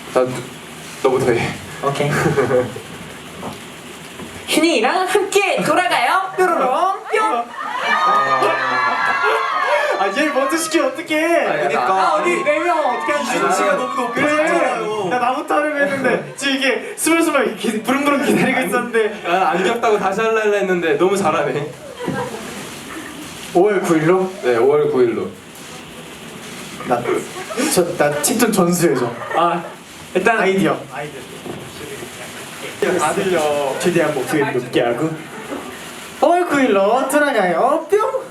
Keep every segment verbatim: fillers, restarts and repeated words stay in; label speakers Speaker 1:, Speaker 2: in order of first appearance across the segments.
Speaker 1: 나 너부터 해.
Speaker 2: 오케이. 휴닝이랑 함께 돌아가요. 뾰로롱 뿅.
Speaker 3: 아얘 먼저 시키면 어떡해.
Speaker 1: 그러니까.
Speaker 2: 아 어디 네 명 어떻게 하지?
Speaker 3: 이준씨가 너무 높아졌잖아요. 나 나부터 하려고 했는데 지금 이게 스물스물 이렇게 부릉부릉 기다리고 있었는데.
Speaker 1: 아, 안 귀엽다고 다시 할라 했는데 너무 잘하네.
Speaker 3: 오월 구일로?
Speaker 1: 네, 오월 구일로.
Speaker 3: 나저나 칭찬 전수해줘.
Speaker 2: 아 일단
Speaker 3: 아이디어. 아이디어.
Speaker 1: 다 들려.
Speaker 3: 최대한 목소리를 높게 하고. 오월 구일로 돌아가요. 뿅.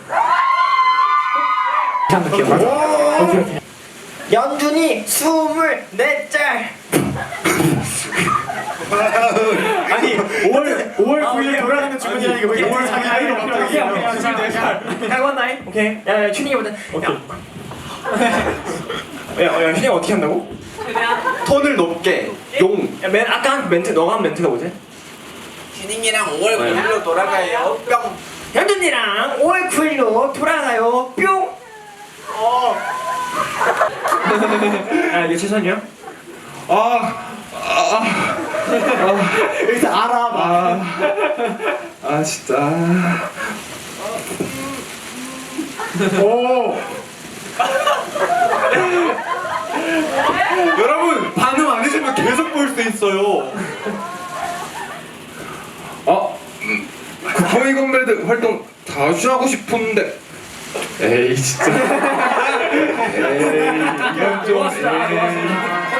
Speaker 2: 이렇게 맞아. 오케이 오케이. 연준이 스물네 짤.
Speaker 3: 아니 오월 오월 구일 돌아가는 주문이라니까 왜 오월 자기 나이로
Speaker 2: 오케이
Speaker 3: 바뀌어?
Speaker 2: 오케이 오케이. 갈관 나이. 오케이. 야 휴닝이 보자. 야야 휴닝 어떻게 한다고?
Speaker 1: 톤을 높게. 용.
Speaker 2: 야맨 아까 한 멘트 너가 한 멘트가 뭐지?
Speaker 4: 휴닝이랑 오월 구일로 돌아가요. 뿅.
Speaker 2: 현준이랑 오월 구일로 돌아가요. 뿅. 어. 아 이게 최선이야?
Speaker 1: 아, 아,
Speaker 3: 여기서 알아봐.
Speaker 1: 아, 아 진짜.
Speaker 3: 오.
Speaker 1: 여러분 반응 안 해주면 계속 볼 수 있어요. 어? 쿠팡이 건배드 활동 다시 하고 싶은데. 에이 진짜. 에이 이건 좀. 에이.